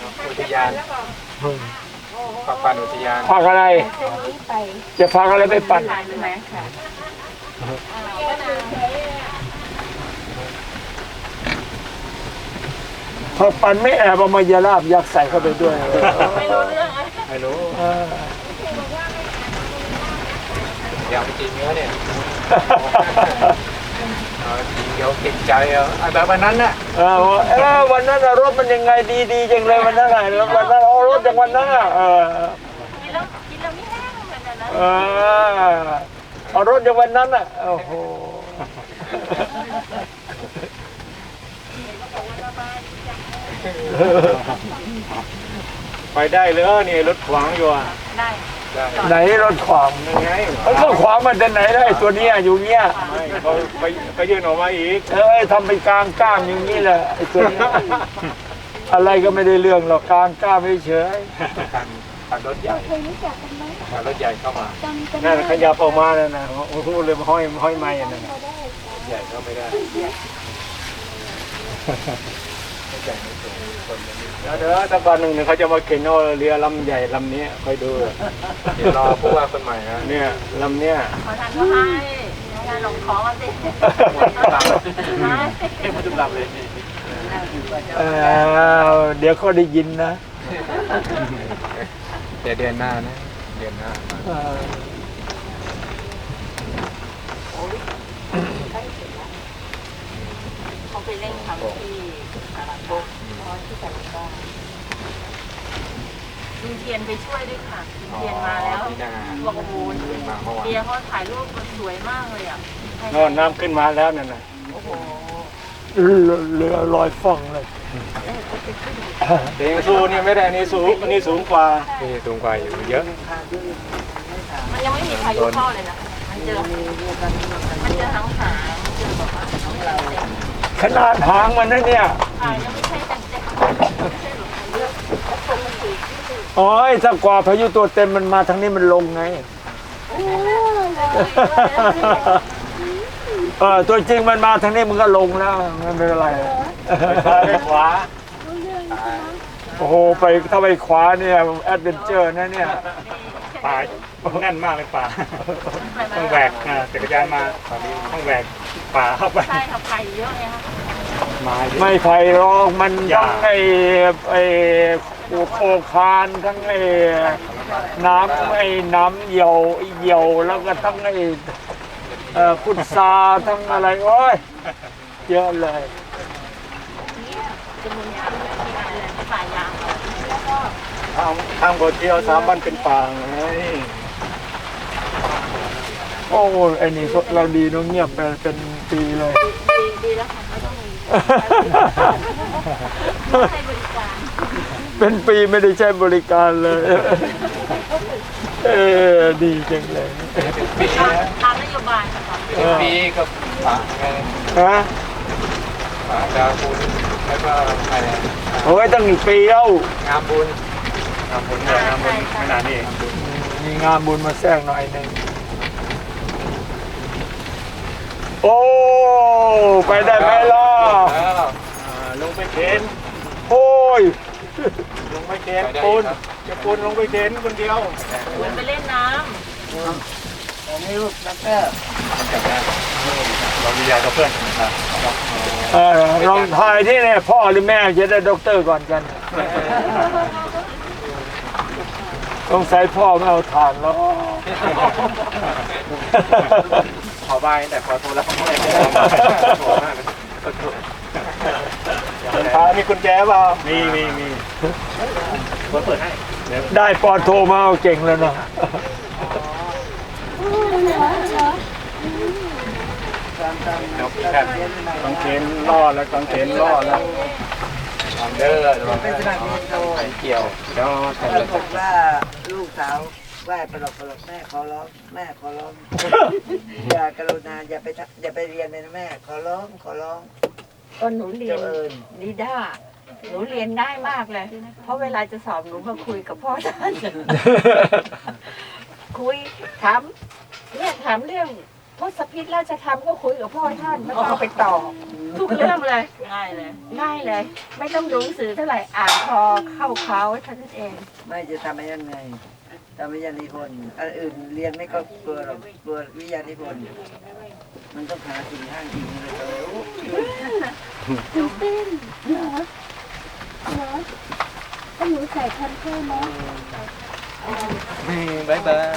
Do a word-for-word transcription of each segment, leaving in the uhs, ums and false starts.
อุทยานฝากปั่นอุทยานฝากอะไรจะฝากอะไรไปปั่นพอปั่นไม่แอบเอามายาลาบยักษ์ใส่เข้าไปด้วยไม่รู้เรื่องไม่รู้อยากไปกินเนื้อเนี่ยเดี๋ยวเก่งใจอ่ะแบบวันนั้นน่ะเออเออวันนั้นรถมันยังไงดีดีจังเลยวันนั้นไงวันนั้นเอารถจากวันนั้นอ่ะเออกินแล้วกินแล้วไม่แห้งเหมือนกันนะเออเอารถจากวันนั้นอ่ะโอ้โหไปได้เลยนี่รถขวางอยู่อ่ะได้ไหนรถขวางยังไงเขาก็ขวางมันจะไหนได้ตัวเนี้ยอยู่เนี้ยเขาไปไปยื่นออกมาอีกเอ้ยทำเป็นกลางก้ามอย่างนี้แหละไอ้ตัวนี้อะไรก็ไม่ได้เรื่องหรอกกลางก้ามเฉยขับรถใหญ่ขับรถใหญ่เข้ามานั่นขยับออกมาแล้วนะโอ้โหเลยห้อยห้อยไม้นั่นใหญ่เข้าไม่ได้เดี๋ยวตะวันหนึ่งเนี่ยเขาจะมาเข็นเอาเรือลำใหญ่ลำนี้คอยดูเดี๋ยวรอผู้ว่าคนใหม่นะเนี่ยลำเนี้ยขอทานก็ให้งานหลงท้องสิให้มาจุ่มลำเลยเดี๋ยวเขาได้ยินนะเดี๋ยวเดือนหน้านะเดือนหน้าเขาไปเล่นทำที่สารโบที่สารบ้านลุงเทียนไปช่วยด้วยค่ะลุงเทียนมาแล้วบอกโอ้โหเบียร์เขาถ่ายรูปสวยมากเลยอ่ะนอนน้ำขึ้นมาแล้วนั่นน่ะโอ้โหเรือลอยฟ่องเลยเด็กสูนี่ไม่ได้นี่สูงนี่สูงกว่านี่สูงกว่าอยู่เยอะมันยังไม่มีพายุเข้าเลยนะมันเจอมันเจอหางหางเจอแบบว่าขนาดหางมันนะเนี่ยยังไม่ใช่เต็มเต็มโอ้ยถ้ากว่าพายุตัวเต็มมันมาทางนี้มันลงไงเออตัวจริงมันมาทางนี้มันก็ลงแล้วไม่เป็นไรไปขวาโอ้โหไปถ้าไปขวาเนี่ยแอดเวนเจอร์นะเนี่ยป่าแน่นมากเลยป่าต้องแหวกจักรยานมาต้องแหวกป่าเข้าไปใช่ครับไผ่เยอะเลยครับไม่ไผ่รองมันทั้งไอ้ไอ้โคคานทั้งไอ้น้ำไอ้น้ำเหี่ยวเหี่ยวแล้วก็ทั้งไอ้พุทราทั้งอะไรโอ้ยเยอะเลยจะมีทำที่อะไรป่ายางทำทำก๋วยเตี๋ยวสามวันเป็นป่าไงโอ้ไอ้นี่เราดีน้องเงียบไปเป็นปีเลยดีดีแล้วค่ะไม่ต้องมีให้บริการเป็นปีไม่ได้ใช้บริการเลยเออดีจังเลยตามนโยบายค่ะปีกับป่าไงฮะป่าดาวบุญแล้วก็อะไรโอ้ยตั้งหนึ่งปีแล้วงามบุญงามบุญเนี่ยงามบุญขนาดนี้มีงามบุญมาแทรกหน่อยหนึ่งโอ้ไปได้ไหมล่ะลงไปเข็นโอ้ยลงไปเข็นปูนจะปูนลงไปเข็นคนเดียวปูนไปเล่นน้ำอันนี้ลูกนักแก้เรามียากับเพื่อนนะครับเออลองทายที่เนี่ยพ่อหรือแม่จะได้ด็อกเตอร์ก่อนกันต้องใส่พ่อไม่เอาทานแล้วขอบายแต่พอโทรแล้วเขาไม่ได้พามีกุญแจเปล่ามีมีมีเปิดให้ได้ปอโทรมาเก่งแล้วเนาะต้องเข็นล่อแล้วต้องเข็นล่อแล้วเด้อเป็นสนามบินโตเกี่ยวแล้วถ้าบอกว่าลูกสาวไหว้ปลอกปลอกแม่ขอร้องแม่ขอร้องอย่ากรุณาอย่าไปอย่าไปเรียนเลยนะแม่ขอร้องขอร้องก็หนูเรียนนิด้าหนูเรียนง่ายมากเลยเพราะเวลาจะสอบหนูมาคุยกับพ่อท่านคุยถามเนี่ยถามเรื่องทศพิธราชธรรมก็คุยกับพ่อท่านแล้วก็เอาไปต่อทุกเรื่องเลยง่ายเลยง่ายเลย ไม่ต้องดูหนังสือเท่าไหร่อ่านพอเข้าเขาเท่านั้นเองไม่จะทำให้ยังไงทำวิทยานิพนธ์อันอื่นเรียนไม่ก็กลัวหรอกกลัววิทยานิพนธ์มันต้องหาสิ่งห้างจริงเลยเลยโอ้ตื่นเต้นเหรอเหรอถ้าหนูใส่ทันเพื่อนเนาะบายบาย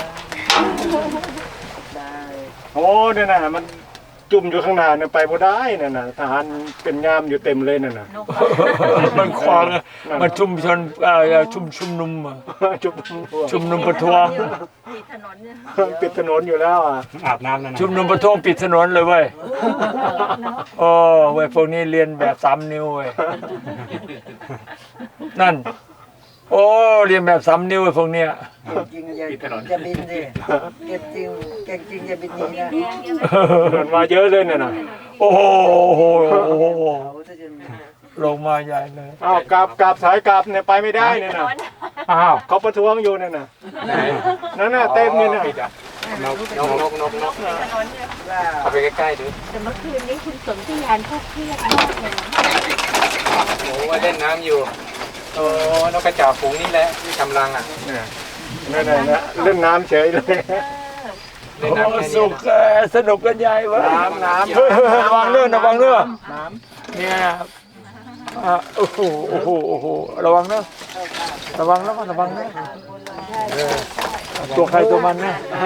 ได้โอ้เนี่ยนะมันจุ่มอยู่ข้างหน้าเนี่ยไปบ่ได้น่ะนะทหารเป็นงามอยู่เต็มเลยน่ะนะมันขวางมันชุมชนเอ่อชุมชุมนุมอะชุมชุมนุมประท้วงมีถนนเนี่ยปิดถนนอยู่แล้วอ่ะอาบน้ำนั่นนะชุมนุมประท้วงปิดถนนเลยเว้ยโอ้เว้ยพวกนี้เรียนแบบสามนิ้วเว้ยนั่น โอ้เรียนแบบสามนิ้วเว้ยพวกเนี้ยเก่งจริงอย่าอย่าบินดิเก่งจริงเก่งจริงอย่าบินหนีนะมันมาเยอะเลยเนี่ยนะโอ้โหโอ้โหโอ้โหเขาจะจะลงมาใหญ่เลยอ้าวกลับกลับสายกลับเนี่ยไปไม่ได้เนี่ยนะอ้าวเขาประท้วงอยู่เนี่ยนะนั่นน่ะเต็มเนี่ยนะนกนกนกนกนกว่าเอาไปใกล้ๆดูแต่เมื่อคืนนี้คุณสนธิยานเขาเครียดมากเลยโอ้ว่าเล่นน้ำอยู่โอ้นกกระจอกฝูงนี่แหละที่กำลังอ่ะนั่นน่ะนะเล่นน้ำเฉยเลยเล่นน้ำแค่นี้สุกสนุกกันใหญ่วะน้ำน้ำระวังเรื่องระวังเรื่องน้ำเนี่ยอ่ะโอ้โหโอ้โหโอ้โหระวังนะระวังนะระวังนะตัวใครตัวมันนะ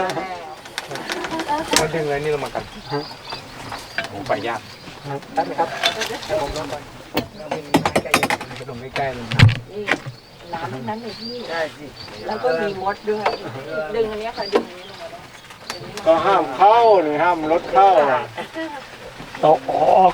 มาดึงเลยนี่ลงมากันโอ้ไปยากได้ไหมครับให้ผมลงก่อนจะลงใกล้ๆเลยนี่น้ำทั้งนั้นเลยพี่ได้สิแล้วก็มีมดด้วย ดึงอันเนี้ยค่ะดึงอันนี้ลงมาได้ก็ห้ามเข้าหรือห้ามรถเข้าตกออก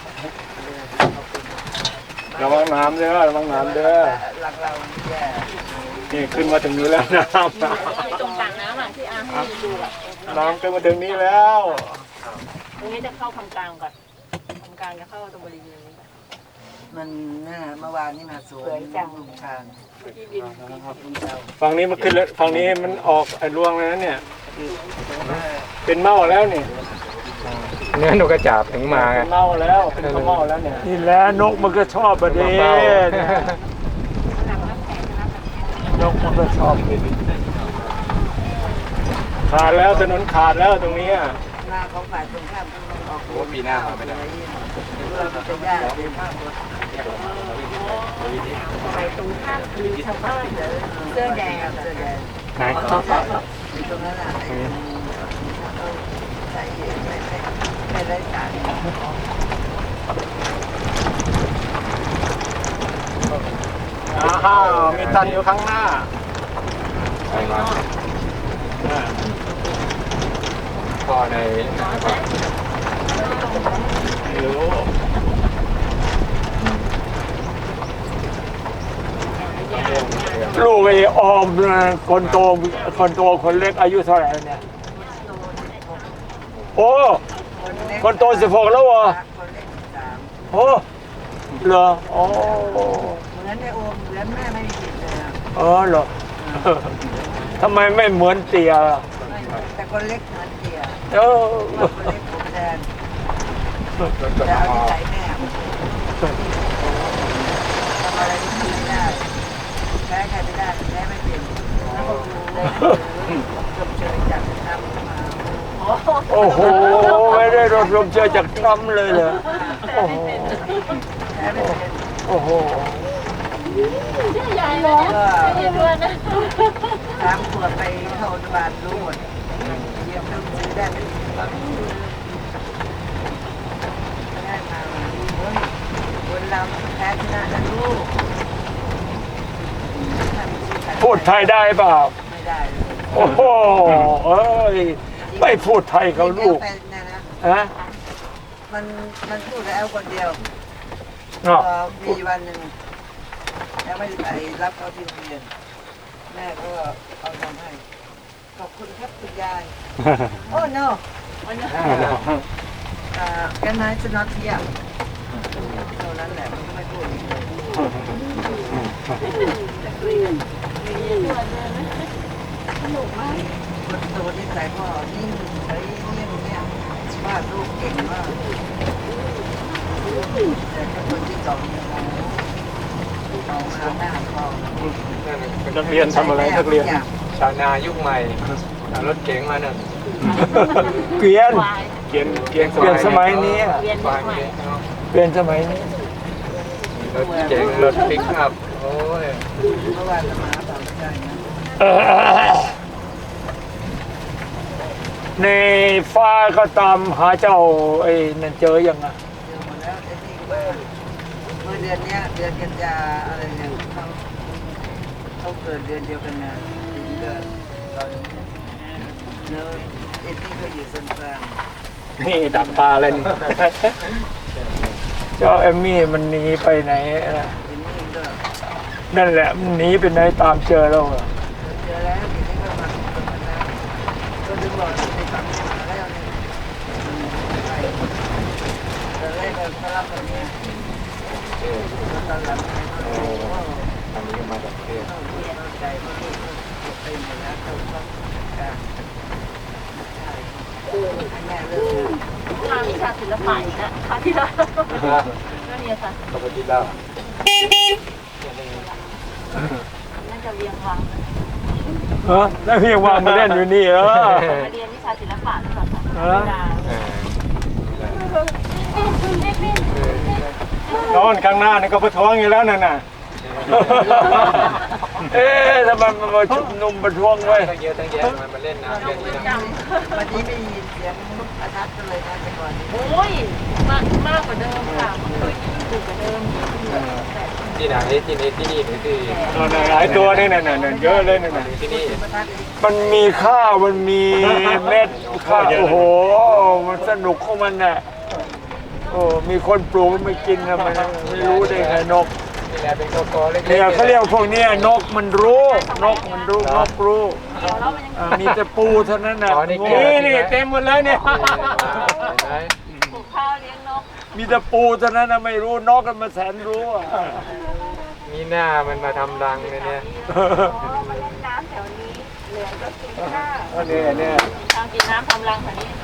ระวังน้ำเด้อระวังน้ำเด้อหลังเราแย่นี่ขึ้นมาถึงนี้แล้วน้ำตรงกลางน้ำอ่ะที่อาให้ดูอ่ะน้ำขึ้นมาถึงนี้แล้วตรงนี้จะเข้าคำกลางก่อนคำกลางจะเข้าตรงบริเวณนี้ก่อนมันน่าเมื่อวานนี่มาสวยลุงชางที่ดินฝั่งนี้มันขึ้นแล้วฝั่งนี้มันออกไอ้รวงแล้วนะเนี่ยเป็นเมาแล้วนี่เนื้อนกกระจาบถึงมาไงเป็นเมาแล้วเป็นข้าวเมาแล้วเนี่ยนี่แหละนกมันก็ชอบประเด็นนกมันก็ชอบขาดแล้วถนนขาดแล้วตรงนี้หน้าของฝ่ายตรงข้ามต้องออกโอ้ปีหน้ามาไม่ได้เราจะยากเป็นภาพรถไปตรงข้ามคือชาวบ้านเสื้อแดงเสื้อแดงไหนตรงนั้นอ่ะใส่ไม่ไม่ไม่ได้สารอ้าวมีตันอยู่ข้างหน้าใช่มาพ่อในนะครับไม่รู้ ลูกไอ้ออมคนโตคนโตคนเล็กอายุเท่าไหร่เนี่ยโอ้คนโตสิบหกแล้วเหรอคนเล็กสามโอ้เหรอโอ้เหมือนในโอมเหมือนแม่ไม่มีผิดเลยเออเหรอทำไมไม่เหมือนเตี่ยแต่คนเล็กเหมือนเดียเออคนเล็กผมแทนรถกจะระเอาบะที่ใส่แม่ทำอะไรไม่ได้แพ้ใครไม่ได้แพ้ไม่เป็นแล้วก็ดูเลยจบเชยจากทำมาโอ้โหไม่ได้รบรวมเจอจากทรัมป์เลยเหรอโอ้โหแพ้ไม่เป็นโอ้โหใหญ่เลยใหญ่ด้วยนะสามขวบไปเข้าอนุบาลรู้หมดเยี่ยมต้องซื้อได้เป็นได้มาเฮ้ยคนเราแพ้ชนะนะลูกพูดไทยได้เปล่าไม่ได้โอ้โหเอ้ยไม่พูดไทยเขาลูกเป็นนะนะฮะมันมันพูดแล้วคนเดียวเนาะพอมีวันหนึ่งแล้วไม่ได้ไปรับเขาที่โรงเรียนแม่ก็เอาทำให้ขอบคุณครับคุณยาย โอ้ no อ่าแกนายจะนอตเที่ยงเท่านั้นแหละมันก็ไม่พูดอีกเลยแต่คุยกันสนุกมากคนโตที่ใส่พ่อนิ่งเฉยเงียบเงียบวาดรูปเก่งมากแต่คนที่สองเนี่ยเอามาหน้าพ่อนักเรียนทำอะไรนักเรียนชาวนายุคใหม่เอารถเก๋งมาเนี่ยเกวียนเกียนเกียนเปลี่ยนสมัยนี้เรียนควาใหม่เปลี่ยนสมัยนี้รถเก๋งรถปิกอัพโอ้ยเพราะว่าจะมาทำไม่ได้นะเออในฟ้าก็ตามหาเจ้าไอ้นั่นเจอยังอ่ะเดี๋ยวหมดแล้วไอ้นี่ว่าเมื่อเดือนเนี้ยเดือนกันยาอะไรเนี่ยเขาเขาเกิดเดือนเดียวกันนะถึงเกิดตอนแล้วไอ้นี่ก็อยู่ส่วนกลางนี่ดักปลาอะไรนี่ เจ้าเอมมี่มันหนีไปไหนนะไอ้นี่ก็นั่นแหละมันหนีไปไหนตามเจอแล้วอะเจอแล้วทีนี้ก็มาตรงนั้นแล้วก็ดึงหลอดในฝั่งมาแล้วเนี่ยไปตอนแรกก็เขารับแบบนี้ตอนหลังเนี่ยเขาโอ้โหอันนี้มาจากเทพเข้าใจว่าลูกเขาไปหมดแล้วเขาก็การใช่ให้แม่เลิกเลยทางวิชาศิลปะอีกนะคราวที่แล้วก็เรียนค่ะพระพุทธเจ้าน่าจะเรียงวังเออแล้วพี่วางมาเล่นอยู่นี่เออมาเรียนวิชาศิลปะหรือเปล่าคะเออเออนอนข้างหน้านี่ก็ประท้วงอยู่แล้วนั่นน่ะ เอ๊ะทำไมมันมาชุมนุมประท้วงไว้ตั้งเยอะตั้งแยะมันมาเล่นน้ำเล่นนี่นะวันนี้ไม่ยินเสียงประทัดกันเลยนะแต่ก่อนนี้โอ้ยมากมากกว่าเดิมค่ะเมื่อกี้ยิ่งดุกว่าเดิมที่ไหนที่นี่ที่นี่หรือที่หลายตัวนี่น่ะน่ะน่ะเยอะเลยนั่นน่ะที่นี่ประทัดอีกมันมีข้าวมันมีเม็ดข้าวโอ้โหมันสนุกของมันน่ะโอ้มีคนปลูกไม่กินนะมันไม่รู้ได้ไงนกนี่แหละเป็นโกโก้เล็กๆเนี่ยเขาเรียกพวกเนี้ยนกมันรู้ นกมันรู้นกรู้เดี๋ยวแล้วมันยังอ่ามีแต่ปูเท่านั้นน่ะอ๋อนี่นี่นี่เต็มหมดเลยเนี่ยเห็นไหมปลูกข้าวเลี้ยงนกมีแต่ปูเท่านั้นนะไม่รู้นกกันมาแสนรู้อ่ะมีหน้ามันมาทำรังเลยเนี่ยอ๋อมาเล่นน้ำแถวนี้เหลือก็กินข้าวเนี่ยเนี่ยทางกินน้ำทำรังแถวนี้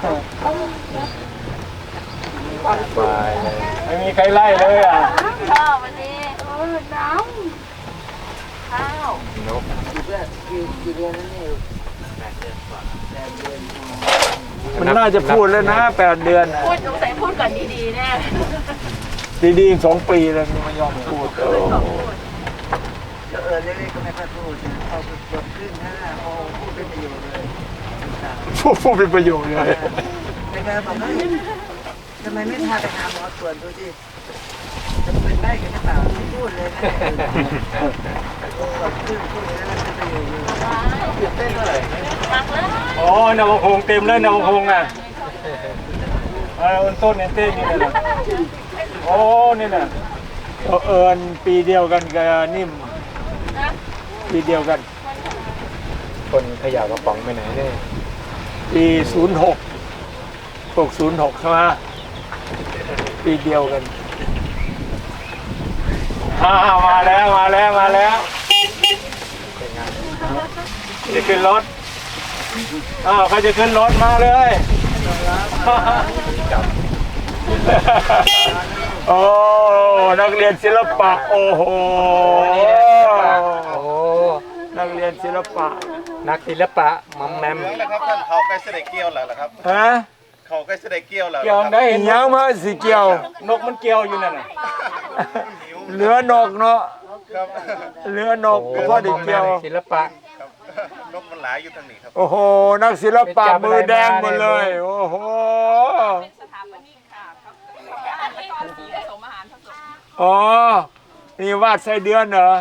บายเลยไม่มีใครไล่เลยอ่ะข้าววันนี้เออน้ำข้าวนกกี่เดือนกี่กี่เดือนนั่นนี่แปดเดือนกว่าแปดเดือนมันน่าจะพูดแล้วนะแปดเดือนพูดสงสัยพูดก่อนดีๆแน่ดีๆสองปีแล้วมันไม่ยอมพูดโอ้เออเล็กๆก็ไม่ค่อยพูดนะพอจบครึ่งห้าโอ้พูดเป็นประโยชน์เลยพูดพูดเป็นประโยชน์เลยแต่ก็บอกว่าทำไมไม่พาไปหาหมอตรวจดูสิจะเป็นได้กันหรือเปล่าไม่พูดเลยนะจบครึ่งพูดแล้วมันเป็นประโยชน์เลยเต้นเลยมักเลยอ๋อนวพงษ์เต็มเลยนวพงษ์อ่ะเออต้นเนี่ยเต้นนี่แหละโอ้นี่น่ะเอิญปีเดียวกันกับนิ่มปีเดียวกันคนขยะกระป๋องไปไหนเนี่ยปีศูนย์หกหกศูนย์หกใช่ไหมปีเดียวกันอ่ามาแล้วมาแล้วมาแล้วเป็นงานจะขึ้นรถอ้าวใครจะขึ้นรถมาเลยจับโอ้ นักเรียนศิลปะ โอ้โหโอ้นักเรียนศิลปะนักศิลปะมัมแมมแล้วครับท่านเขาใกล้เสด็จเกี้ยวแล้วเหรอครับฮะเขาใกล้เสด็จเกี้ยวแล้วหรอเกี่ยวครับได้ยังมาสีเกี่ยว นกมันเกี่ยวอยู่นั่นน่ะเหลือนกเนาะครับเหลือนกก็พอได้เกี่ยวศิลปะครับนกมันหลายอยู่ทางนี้ครับโอ้โห นักศิลปะมือแดงหมดเลย โอ้โห อ๋อ นี่วาดไส้เดือนเหรอ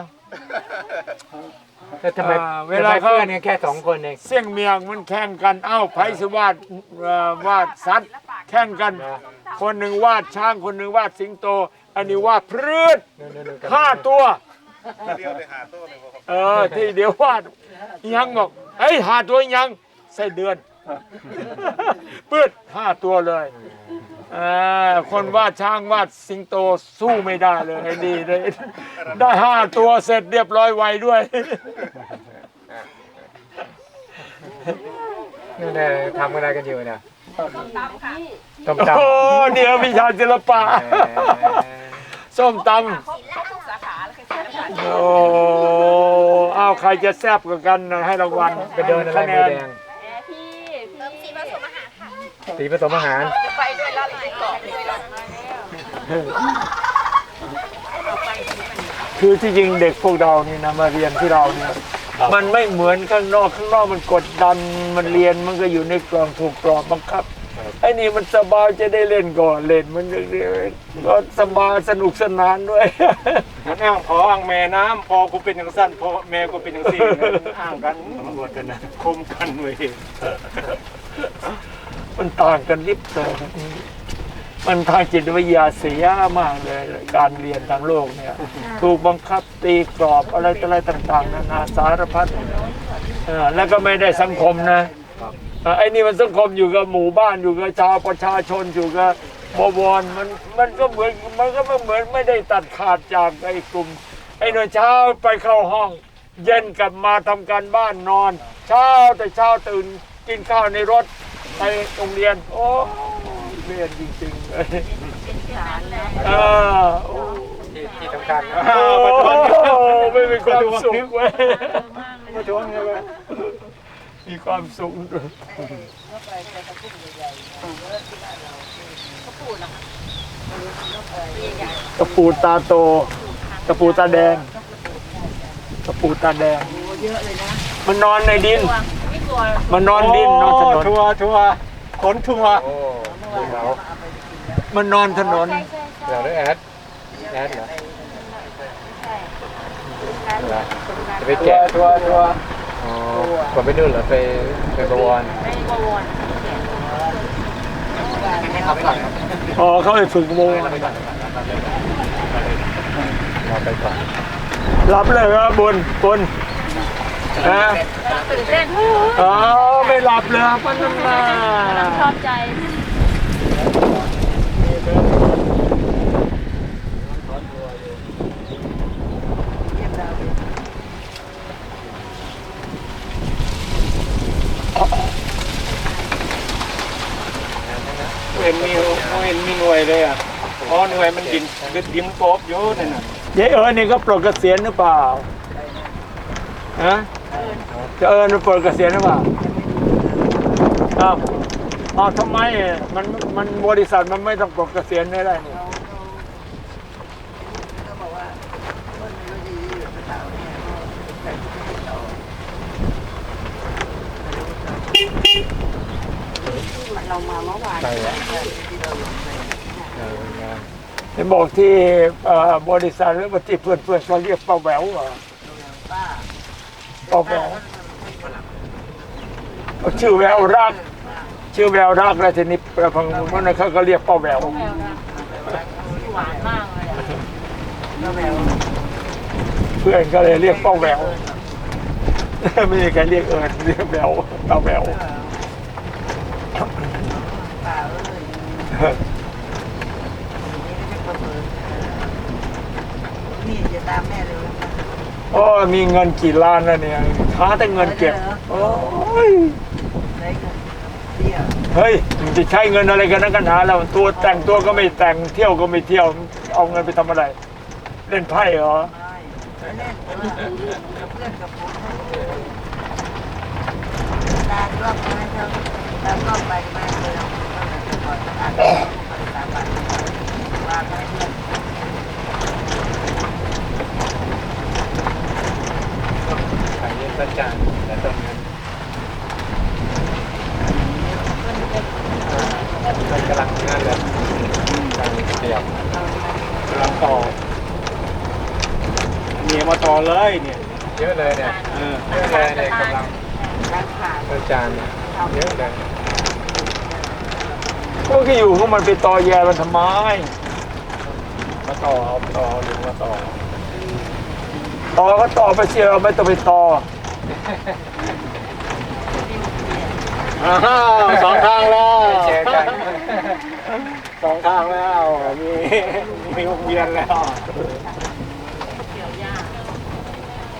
แล้วทำไมอ่าเวเวลาลาเขาเพื่อนกันแค่สองคนเองเสี่ยงเมียงมันแข่งกัน เอ้าไผสิวาดเอ่อวาดสัตว์แข่งกัน คนหนึ่งวาดช้าง คนหนึ่งวาดสิงโต อันนี้วาดพืชห้าตัวเดียวเลยหาตัวเลยครับเออ ที่เดี๋ยววาดยังบอกเอ้ยหาตัวยังไส้เดือน ปืดห้าตัวเลยอ่าคนวาดช้างวาดสิงโตสู้ไม่ได้เลยไอ้ดีเลยได้ห้าตัวเสร็จเรียบร้อยไวด้วยนี่นทำอะไรกันอยู่เนี่ยในต้มตำโอ้เดี๋ยววิชาศิลปะส้มตำโอ้อ้าวใครจะแซ่บกว่ากันนะให้รางวัลไปเดินอะไรคะแนมือน แดงพี่พี่สีผสมอาหารค่ะสีผสมอาหารไปด้วยแล้วไปเกาะด้วยแล้วคือที่จริงเด็กพวกเรานี่นะมาเรียนที่เราเนี่ยมันไม่เหมือนข้างนอกข้างนอกมันกดดันมันเรียนมันก็อยู่ในกรอบถูกกรอบบังคับไอ้นี่มันสบายจะได้เล่นก่อนเล่นมันก็สบายสนุกสนานด้วยมันอ้างพออ้างแม่น้ำพอกูเป็นอย่างสั้นพอแม่กูเป็นอย่างสี่อ้างกันหมดกันนะคมกันเว้ยมันต่างกันลิบเลยมันทางจิตวิทยาเสียมากเลยการเรียนทางโลกเนี่ยถูกบังคับตีกรอบอะไรต่ออะไรต่างๆนานาสารพัดเออแล้วก็ไม่ได้สังคมนะไอ้นี่มันสังคมอยู่กับหมู่บ้านอยู่กับชาวประชาชนอยู่กับบวรมันมันก็เหมือนมันก็ไม่เหมือนไม่ได้ตัดขาดจากไอ้กลุ่มไอ้หน่วยเช้าไปเข้าห้อง เย็นกลับมาทำการบ้านนอน เช้าแต่เช้าตื่นกินข้าวในรถไปโรงเรียนโอ้เรียนจริงๆเลยเออโอ้ที่ที่สำคัญโอ้ไม่มีความสุขเว้ยมาทวงไงวะมีความสุขตะปูตาโตตะปูตาแดงตะปูตาแดงมันนอนในดินมันนอนดินนอนถนนทัวทัวขนทัวโอ้เดี๋ยวมันนอนถนนเดี๋ยวได้แอดแอดเหรอจะไปแกะทัวทัวอ๋อก่อนไปนู่นเหรอไปไปบวรอ๋อเขาไปฝึกโมงเราไปก่อนรับเลยครับบุญบุญนะตื่นเต้นอ๋อไม่หลับเลยครับมันมาชอบใจเห็นมีเห็นมีหน่วยเลยอ่ะอ๋อหน่วยมันดินดินกบอยู่นั่นน่ะเจ๊เอิญนี่ก็ปลดเกษียณหรือเปล่าฮะจะเอิญมันปลดเกษียณหรือเปล่าอ้าวอ้าวทำไมมันมันบริษัทมันไม่ต้องปลดเกษียณได้นี่ก็บอกว่าคนไม่รู้ดีอยู่กับเราเนี่ยแต่ที่เราเรามาเมื่อวานไปอ่ะที่เราลงไปเอองานเห็นบอกที่เอ่อบริษัทหรือว่าที่เพื่อนเพื่อนๆเขาเรียกป้าแหววเหรอป้าป้าแหววเขาชื่อแววรัก ชื่อแววรักแล้วทีนี้พังมันเขาก็เรียกป้าแหววหวานมากเลยอ่ะก็แมวเพื่อนก็เลยเรียกป้าแหววไม่มีใครเรียกเอิญเรียกแหววป้าแหววป้าเอ้ยนี่จะตามแม่เลยโอ้มีเงินกี่ล้านแล้วเนี่ยหาแต่เงินเก็บโอ้ยได้เงินเที่ยวเฮ้ยมันจะใช้เงินอะไรกันนักกันหาแล้วตัวแต่งตัวก็ไม่แต่งเที่ยวก็ไม่เที่ยวเอาเงินไปทำอะไร เล่นไพ่เหรอไม่เล่นกับเพื่อนกับผมตาก็มาเท่าตาก็ไปมาเลยก่อนตาก็ตาบัตรวางให้เพื่อนขายเย็นประจานแต่ตรงนั้นมันกำลังงานเลยกำลังเดียวกำลังต่อเมียมาต่อเลยเนี่ยเยอะเลยเนี่ยเออเยอะเลยเนี่ยกำลังร้านขาดประจานเนี่ยเยอะเลยพวกที่อยู่พวกมันไปต่อแย่มันทำไมมาต่อเอาต่อหรือมาต่อต่อก็ต่อไปเชียร์ไม่ต้องไปต่ออ้าวสองทางแล้วเจอกันสองทางแล้วมีมีวงเวียนแล้วเกี่ยวหญ้า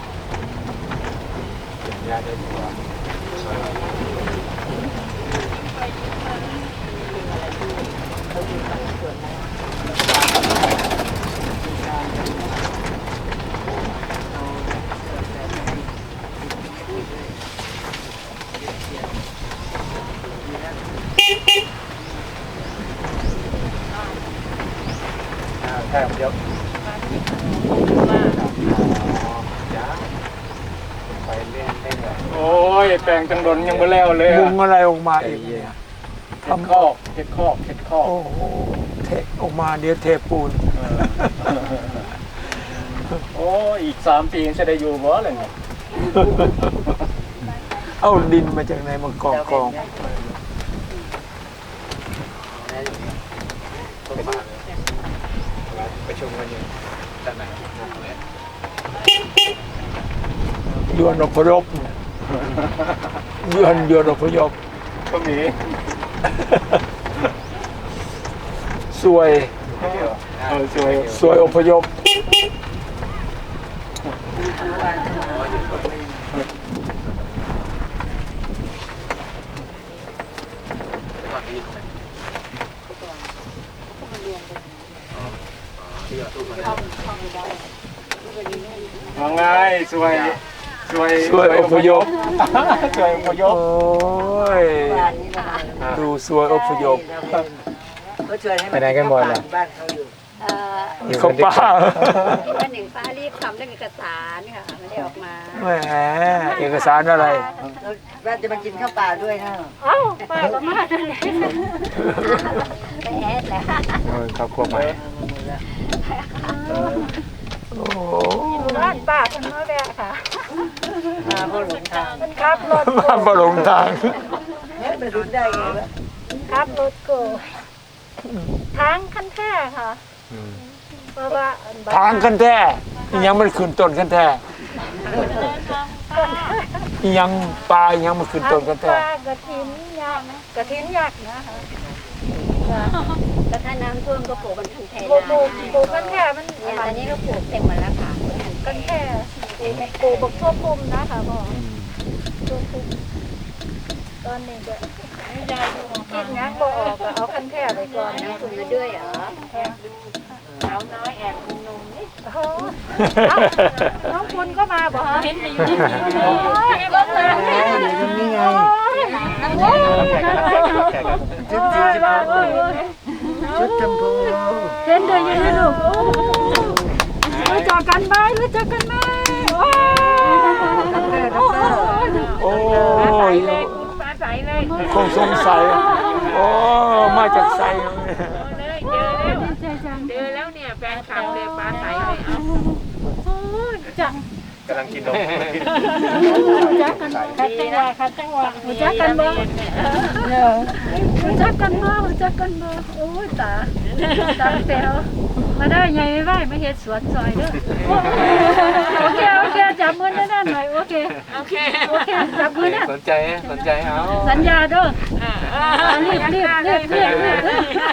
เกี่ยวหญ้าได้ดีกว่าแค่เดียวไปเล่นเล่นเลยโอ้ยแปลงจังดนยังไม่แล้วเลยมุงอะไรออกมาอีกเนี่ยเห็ดคอกเห็ดคอกเห็ดคอกโอ้โหเทออกมาเดี๋ยวเทปูนโอ้ยอีกสามปีจะได้อยู่บ่เลยเนี่ยเอาดินมาจากไหนมากองกองประชุมกันอยู่ด้านไหนยวนอพยพยวนยวนอพยพก็มีสวยเออสวยสวยอพยพว่าไงสวยสวยสวยอพยพสวยอพยพโอ้ยดูสวยอพยพก็ช่วยให้ไปไหนกันหมดล่ะบ้านเขาอยู่เอ่อเขาป้าวันหนึ่งฟ้ารีบทำเรื่องเอกสารค่ะไม่ได้ออกมาแหมเอกสารอะไรแล้วว่าจะมากินข้าวเปล่าด้วยนะเอ้าป้าก็มาด้วยไปแอดแหละครอบครัวใหม่โอ้บ้านป้าคนน้อยแม่ค่ะมาเพราะหลงทางขับรถมาประหลงทางเนี่ยไปรุ้นได้ไงวะขับรถโกทางคันแท้ค่ะเพราะว่าทางกันแท้อีหยังมันขึ้นต้นกันแท้อีหยังปลาอีหยังมันขึ้นต้นกันแท้ปลากระถินยักษ์กระถินยักษ์นะคะแต่ถ้าน้ำท่วมก็ปลูกมันคันแท้ปลูกปลูกปลูกกันแค่มันเนี่ยตอนนี้ก็ปลูกเต็มหมดแล้วค่ะกันแค่ปลูกปลูกบักทั่วพุ่มนะคะพ่อทั่วพุ่มตอนนี้ก็คิดงั้นบ่ออกก็เอาคันแค่ไปก่อนน้ำคุณมาด้วยเหรอสาวน้อยแอบคุณนุ่มนี่โอ้โหเอ้าน้องคุณก็มาบ่ฮะเห็นแต่อยู่ที่นี่โอ้ยก็มาแหมอยู่ตรงนี้ไงโอ้ยชุดสีชมพูชุดชมพูเห็นเดินยังไงลูกโอ้รู้จักกันไหมรู้จักกันไหมโอ้ยโอ้ยเลยคุณฟ้าใสเลยคงสงสัยโอ้มาจากไซเลยเจอแล้วเจอแล้วเนี่ยแฟนคลับเลยฟ้าใสเลยเอาจักกำลังกินนมจักกันคัดจังหวะคัดจังหวะรู้จักกันบ่รู้จักกันบ่รู้จักกันบ่โอ้ยตาตาแป๋วมาได้ไงไว้มาเฮ็ดสวนซอยเด้อโอเคโอเคจับมือแน่นๆหน่อยโอเคโอเคโอเคจับมือแน่สนใจสนใจเอาสัญญาเด้ออ่ารีบรีบรีบรีบรีบ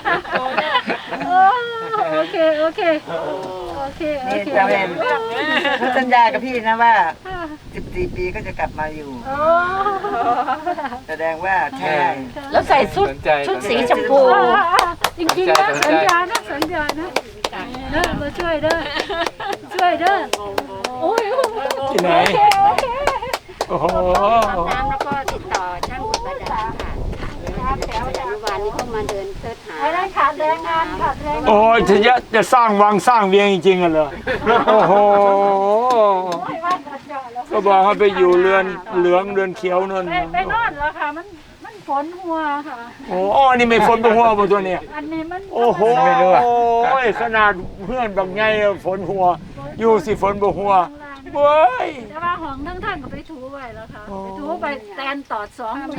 โอเคโอเคโอเคโอนี่เคจะเป็นเขาสัญญากับพี่นะว่าสิบสี่ปีก็จะกลับมาอยู่โอ้แสดงว่าใช่แล้วใส่ชุดชุดสีชมพูจริงๆนะสัญญานะสัญญานะเด้อมาช่วยเด้อช่วยเด้อโอ้ยที่ไหนโอเคโอเคโอ้โหน้ำแล้วก็ติดต่อช่างอุดบาดาลค่ะอนุบาลนี่เขามาเดินเสิร์ชหาไอ้นั่นขาดแรงงานขาดแรงงานโอ้ยจะจะจะสร้างวังสร้างเวียงจริงๆกันเหรอโอ้โหไม่ว่าจะเจาะแล้วก็บอกให้ไปอยู่เรือนเหลืองเรือนเขียวนั่นไปไปนอนแล้วค่ะมันมันฝนหัวค่ะโอ้อ๋อนี่ไม่ฝนบนหัวบนตัวเนี่ยอันนี้มันโอ้โหโอ้ยขนาดเพื่อนบางไงฝนหัว อยู่สิฝนบนหัวเว้ยแต่ว่าห้องทั้งท่านก็ไปถูไว้แล้วค่ะไปถูไปแตนตอดสองมือ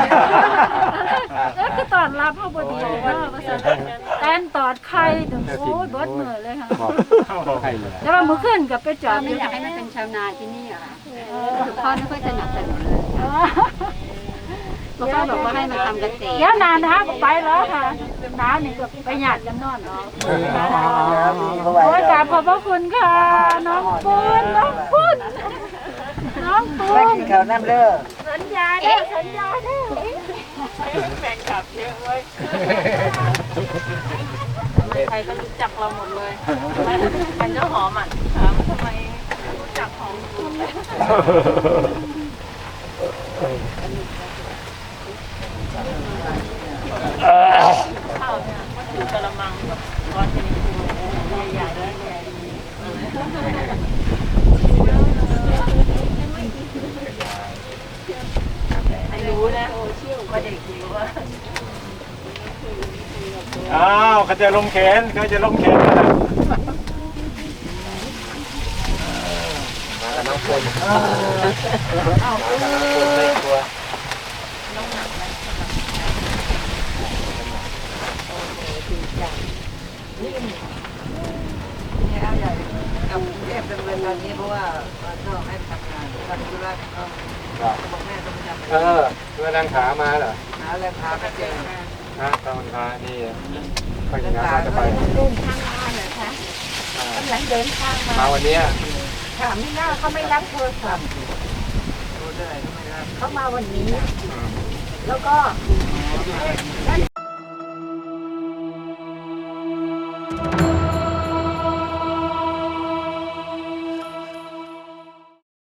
แล้วก็ตอนรับเขาบดีว่าภาษาแตนตอดไข่ถึงโอ้ยบดมือเลยค่ะแต่ว่ามือขึ้นกับไปจอดไม่อยากให้มันเป็นชาวนาที่นี่เหรอคะคือพ่อไม่ค่อยสนับสนุนเลยพ่อบอกว่าให้มาทำเกษตรเดี๋ยวนานนะก็ไปแล้วค่ะน้านี่ก็ไปหยาดกันนอนเนาะโอ้ยกราบขอบพระคุณค่ะ น้องปูนน้องปูนน้องปูไม่นกินข้าวน้ำเด้อสัญญาเด้อสัญญาเด้อแฟนคลับเยอะเว้ยใครก็รู้จักเราหมดเลยมันเจ้าหอมอ่ะถามทำไมรู้จักหอมคุณเลยข้าวเนี่ยมันคือกระมังแบบก้อนเป็นใหญ่ๆแล้วใหญ่ไอ้รู้นะว่าเด็กรู้ว่าอ้าวเขาจะลงแขนเขาจะลงแขนกันมากับน้องคนมากับน้องคนไม่กลัวเนี่ยเอาใหญ่กับเทพดำเนินตอนนี้เพราะว่ามันก็ให้ทำงานทำธุระก็บอกแม่ต้องไปทำเออเพื่อนั่งขามาเหรอหาแรงพาไปเจอฮะตอนขานี่ไปถึงงานจะไปเดินทางมาเหรอคะกำลังเดินทางมามาวันนี้ถามไม่น่าเขาไม่รับโทรศัพท์รู้ได้ก็ไม่รับเขามาวันนี้ แล้วก็